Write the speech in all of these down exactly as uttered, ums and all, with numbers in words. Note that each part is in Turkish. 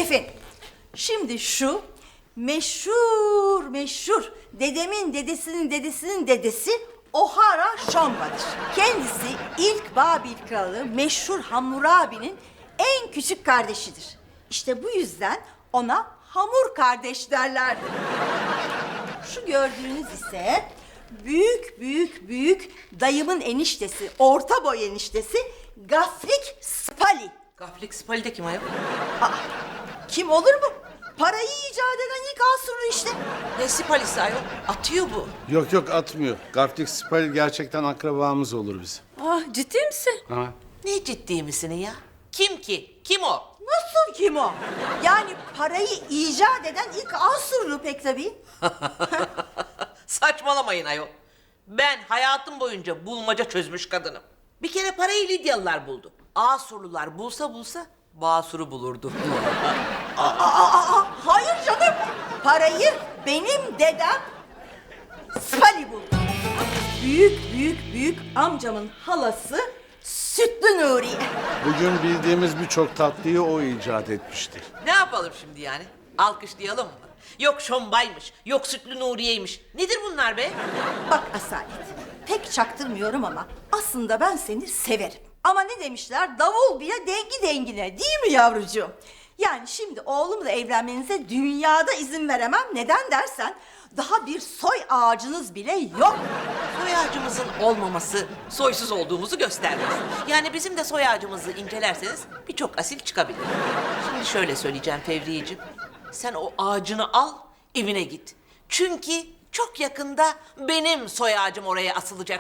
Efendim, şimdi şu meşhur meşhur dedemin dedesinin dedesinin dedesi O'Hara Shomba'dır. Kendisi ilk Babil kralı meşhur Hammurabi'nin en küçük kardeşidir. İşte bu yüzden ona hamur kardeş derler. Şu gördüğünüz ise büyük büyük büyük dayımın eniştesi, orta boy eniştesi Gafrik Spali. Gaflik Spali de kim ayol? Aa, kim olur mu? Parayı icat eden ilk Asurlu işte. Ne Spali'si ayol? Atıyor bu. Yok yok atmıyor. Gaflik Spal gerçekten akrabamız olur bizim. Ah, ciddi misin? Ha. Ne ciddi misin ya? Kim ki? Kim o? Nasıl kim o? Yani parayı icat eden ilk Asurlu pek tabii. Saçmalamayın ayol. Ben hayatım boyunca bulmaca çözmüş kadınım. Bir kere parayı Lidyalılar buldu. Asurlular bulsa bulsa Basur'u bulurdu. Aa, aa, aa, hayır canım. Parayı benim dedem Spali buldu. Büyük büyük büyük amcamın halası Sütlü Nuriye. Bugün bildiğimiz birçok tatlıyı o icat etmiştir. Ne yapalım şimdi yani? Alkışlayalım mı? Yok Şombaymış, yok Sütlü Nuriye'ymiş. Nedir bunlar be? Bak Asalet, pek çaktırmıyorum ama aslında ben seni severim. Ama ne demişler? Davul bile dengi dengine, değil mi yavrucuğum? Yani şimdi oğlumla evlenmenize dünyada izin veremem. Neden dersen daha bir soy ağacınız bile yok. Soy ağacımızın olmaması soysuz olduğumuzu göstermez. Yani bizim de soy ağacımızı incelerseniz birçok asil çıkabilir. Şimdi şöyle söyleyeceğim Fevriyeciğim. Sen o ağacını al, evine git. Çünkü çok yakında benim soy ağacım oraya asılacak.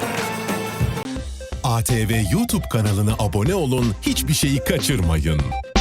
A T V YouTube kanalına abone olun, hiçbir şeyi kaçırmayın.